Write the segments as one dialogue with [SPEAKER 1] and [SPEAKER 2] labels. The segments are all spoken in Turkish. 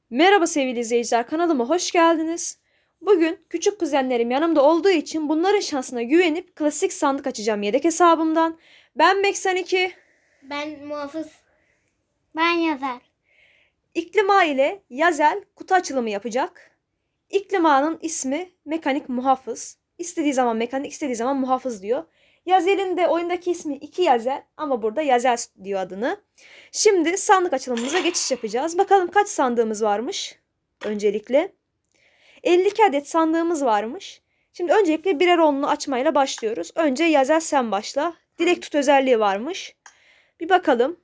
[SPEAKER 1] Merhaba sevgili izleyiciler, kanalıma hoş geldiniz. Bugün küçük kuzenlerim yanımda olduğu için bunların şansına güvenip klasik sandık açacağım yedek hesabımdan. Ben Mek82,
[SPEAKER 2] Ben muhafız. Ben yazar.
[SPEAKER 1] İklima ile Yazel kutu açılımı yapacak. İklima'nın ismi Mekanik Muhafız. İstediği zaman mekanik, istediği zaman muhafız diyor. Yazel'in de oyundaki ismi 2 Yazel ama burada Yazel diyor adını. Şimdi sandık açılımımıza geçiş yapacağız. Bakalım kaç sandığımız varmış öncelikle. 52 adet sandığımız varmış. Şimdi öncelikle birer onlu açmayla başlıyoruz. Önce Yazel sen başla. Dilek tut özelliği varmış. Bir bakalım.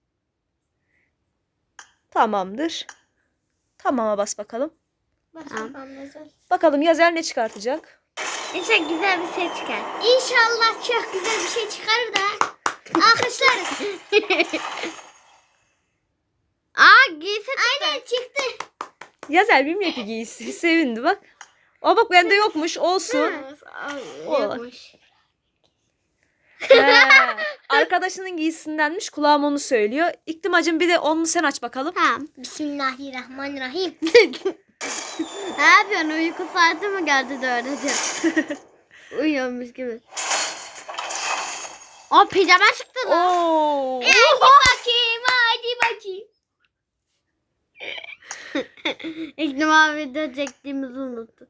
[SPEAKER 1] Tamamdır. Tamama bas bakalım. Bakalım Yazel ne çıkartacak?
[SPEAKER 2] İnşallah güzel bir şey çıkar. İnşallah çok güzel bir şey çıkarır da alkışlarız. Giysi çıktı. Aynen çıktı.
[SPEAKER 1] Yazel bilmiyor ki giysi. Sevindi bak. Aa bak bende yokmuş. Olsun.
[SPEAKER 2] Yokmuş.
[SPEAKER 1] Arkadaşının giysisindenmiş. Kulağım onu söylüyor. İklimacığım bir de onlu sen aç bakalım.
[SPEAKER 2] Tamam. Bismillahirrahmanirrahim. Ne yapıyorsun? Uyku saati mi geldi de öylece? Uyuyormuş gibi. O pijama çıktı lan.
[SPEAKER 1] Oo.
[SPEAKER 2] Hadi bakayım. İklim video çektiğimizi unuttum.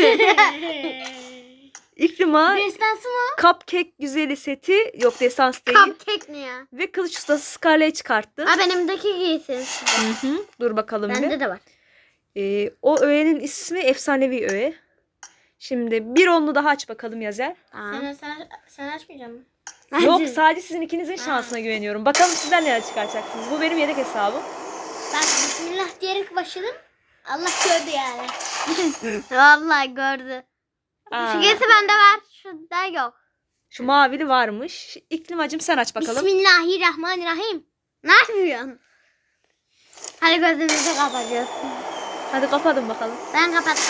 [SPEAKER 1] İklima
[SPEAKER 2] Destansı mı?
[SPEAKER 1] cupcake güzeli seti. Yok destans değil.
[SPEAKER 2] Cupcake ne ya?
[SPEAKER 1] Ve kılıç ustası Scarlett'i çıkarttı.
[SPEAKER 2] Benimdeki giysi.
[SPEAKER 1] Hı. Dur bakalım bir.
[SPEAKER 2] Bende de var.
[SPEAKER 1] O öğenin ismi efsanevi öğe. Şimdi bir onlu daha aç bakalım Yazel.
[SPEAKER 2] Sen açmayacak mısın?
[SPEAKER 1] Yok sadece sizin ikinizin şansına güveniyorum. Bakalım sizden neler çıkaracaksınız. Bu benim yedek hesabım.
[SPEAKER 2] Bak bismillah diyerek başladım. Allah gördü yani. Vallahi gördü. Şu giysi bende var. Şurada yok.
[SPEAKER 1] Şu mavili varmış. İklimacığım sen aç bakalım.
[SPEAKER 2] Bismillahirrahmanirrahim. Ne yapıyorsun? Hadi gözümüzü kapatıyorsun.
[SPEAKER 1] Hadi kapadın bakalım.
[SPEAKER 2] Ben kapattım.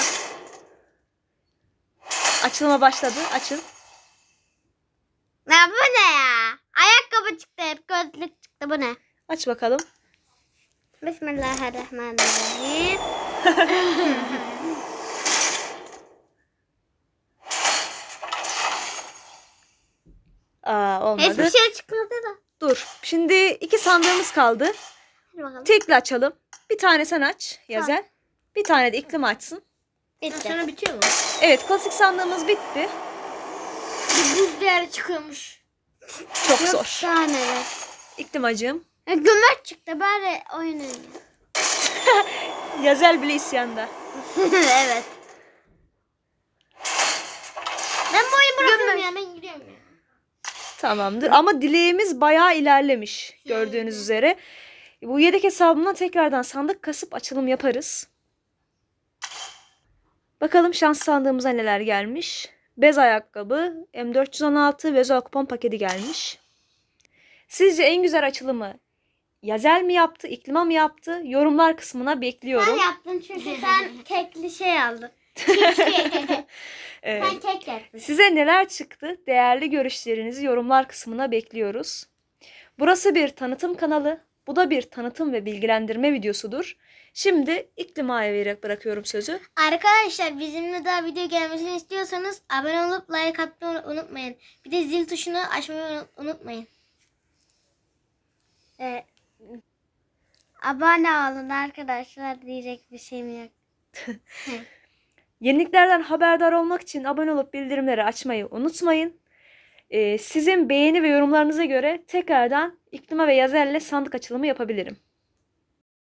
[SPEAKER 1] Açılıma başladı. Açın.
[SPEAKER 2] Ya bu ne ya? Ayakkabı çıktı hep. Gözlük çıktı. Bu ne?
[SPEAKER 1] Aç bakalım.
[SPEAKER 2] Bismillahirrahmanirrahim.
[SPEAKER 1] Olmadı.
[SPEAKER 2] Hiçbir şey çıkmadı da.
[SPEAKER 1] Dur. Şimdi iki sandığımız kaldı.
[SPEAKER 2] Hadi bakalım.
[SPEAKER 1] Tekli açalım. Bir tane sen aç Yazel. Bir tane de iklim açsın.
[SPEAKER 2] Bitti. Sonra bitiyor mu?
[SPEAKER 1] Evet klasik sandığımız bitti.
[SPEAKER 2] Bir buz değeri çıkıyormuş.
[SPEAKER 1] Çok zor.
[SPEAKER 2] Daha neler.
[SPEAKER 1] İklimacığım.
[SPEAKER 2] Gömer çıktı bari oyun oynuyor.
[SPEAKER 1] Yazel bile isyanda.
[SPEAKER 2] Evet. Ben bu oyunu bırakıyorum ya, ben gidiyorum ya.
[SPEAKER 1] Tamamdır. Ama dileğimiz bayağı ilerlemiş. Gördüğünüz üzere. Bu yedek hesabımdan tekrardan sandık kasıp açılım yaparız. Bakalım şans sandığımıza neler gelmiş. Bez ayakkabı, M416 ve Zoa kupon paketi gelmiş. Sizce en güzel açılımı Yazel mi yaptı, İklima mı yaptı? Yorumlar kısmına bekliyorum.
[SPEAKER 2] Sen yaptın çünkü sen kekli şey aldın.
[SPEAKER 1] Evet.
[SPEAKER 2] Sen kek yaptın.
[SPEAKER 1] Size neler çıktı? Değerli görüşlerinizi yorumlar kısmına bekliyoruz. Burası bir tanıtım kanalı. Bu da bir tanıtım ve bilgilendirme videosudur. Şimdi İklima'ya bırakıyorum sözü.
[SPEAKER 2] Arkadaşlar bizimle daha video gelmesini istiyorsanız abone olup like atmayı unutmayın. Bir de zil tuşunu açmayı unutmayın. Abone olun arkadaşlar, diyecek bir şeyim yok.
[SPEAKER 1] Yeniliklerden haberdar olmak için abone olup bildirimleri açmayı unutmayın. Sizin beğeni ve yorumlarınıza göre tekrardan İklima ve Yazel'le sandık açılımı yapabilirim.